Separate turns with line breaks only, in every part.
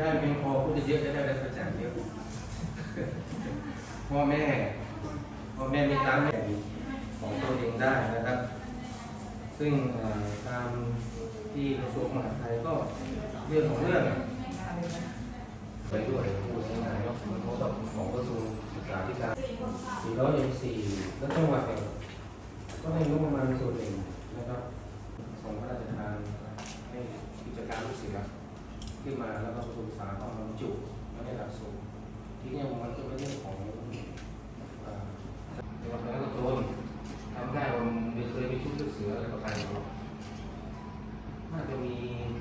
ได้เพียงพอพูดเยอะจะได้รับประจานเยอะพ่อแม่มีตามแม่ของตัวเองได้นะครับซึ่งตามที่กระทรวงมหาดไทยก็เรื่องของเรื่องไปด้วยพูดง่ายๆก็มันเขาต้องของกระทรวงศึกษาธิการ404แล้วจังหวัดเนี่ยก็ให้งบประมาณส่วนหนึ่งนะครับส่งพระราชทานให้กิจการลูกเสือขึ้นมาแล้วก็กระทรวงศึกษาก็มาบรรจุไม่ได้หลักสูตรที่นี่มันก็เป็นเรื่องของจังหวัดนครปฐมทำได้ผมเคยมีชุดลูกเสืออะไรประการนี้น่าจะมี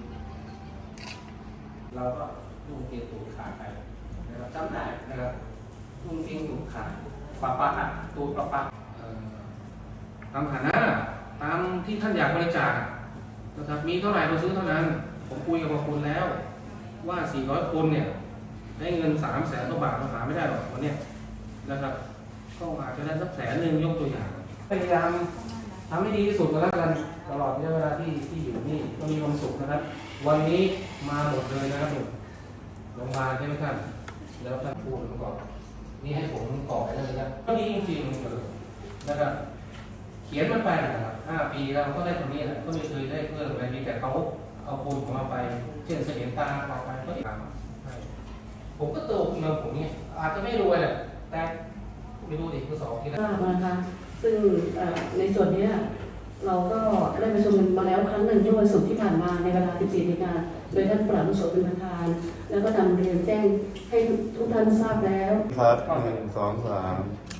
เราก็ลุงเกียรติถูกขาดไปนะครับจำได้นะครับลุงเกียรติถูกขาดปะตัวปะตามฐานะตามที่ท่านอยากบริจาคนะครับมีเท่าไหร่เราซื้อเท่านั้นผมคุยกับคุณแล้วว่า400คนเนี่ยได้เงิน300,000 กว่าบาทเราหาไม่ได้หรอกวันนี้นะครับก็อาจจะได้สัก100,000ยกตัวอย่างพยายามทำให้ดีที่สุดก็แล้วกันตลอดระยะเวลาที่อยู่นี่ก็มีความสุขนะครับวันนี้มาหมดเลยนะครับโรงพยาบาลใช่ไหมท่านแล้วท่านพูดมาก่อนนี่ให้ผมกรอกได้เลยนะก็ดีจริงๆเลยนะครับเขียนมันไปนะครับ5 ปีแล้วก็ได้ตรงนี้แหละก็ไม่เคยได้เพิ่มอะไรมีแต่เขาเอาคนของเราไปเช่นเสถียรตาเอาไปก็ตามผมก็โตขึ้นมาผมเนี่ยอาจจะไม่รวยแหละแต่ไม่รู้ดิคือ2 ทีแล้ว
นะคะซึ่งในส่วนนี้เราก็ได้ประชุมกันมาแล้วครั้งหนึ่งเมื่อวันศุกร์ที่ผ่านมาในเวลา 14 นาฬิกาโดยท่านปราบโสเป็นประธานแล้วก็นำเรียนแจ้งให้ทุกท่านทราบแล้ว
ครับ1 2 3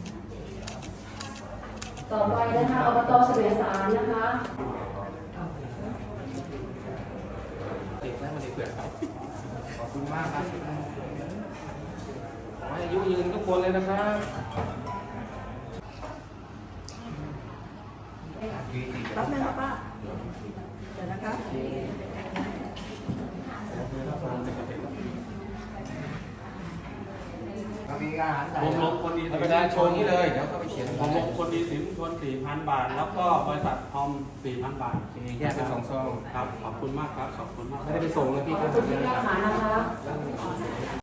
ต่อไปนะคะอบต.เสมียสารนะคะ
ติดแล้วมันเกิดครับขอบคุณมากครับขอให้อายุยืนทุกคนเลยนะครับ
รับไหมครับป้าเดี๋ยวนะคะ
ผมลงคนดีสิน
ไปได้โชว์นี้เลยเดี๋ยวก็ไปเขียน
ผมลงคนดีสินชน 4,000 บาท แล้วก็บริษัททอม 4,000 บาท
แยกเป็น2 ซอง
ครับ ขอบคุณมากครับ ขอบคุณมาก
ไม่ได้ไปส่งเลยพี่
ขอบคุณที่แก้ไขนะคะ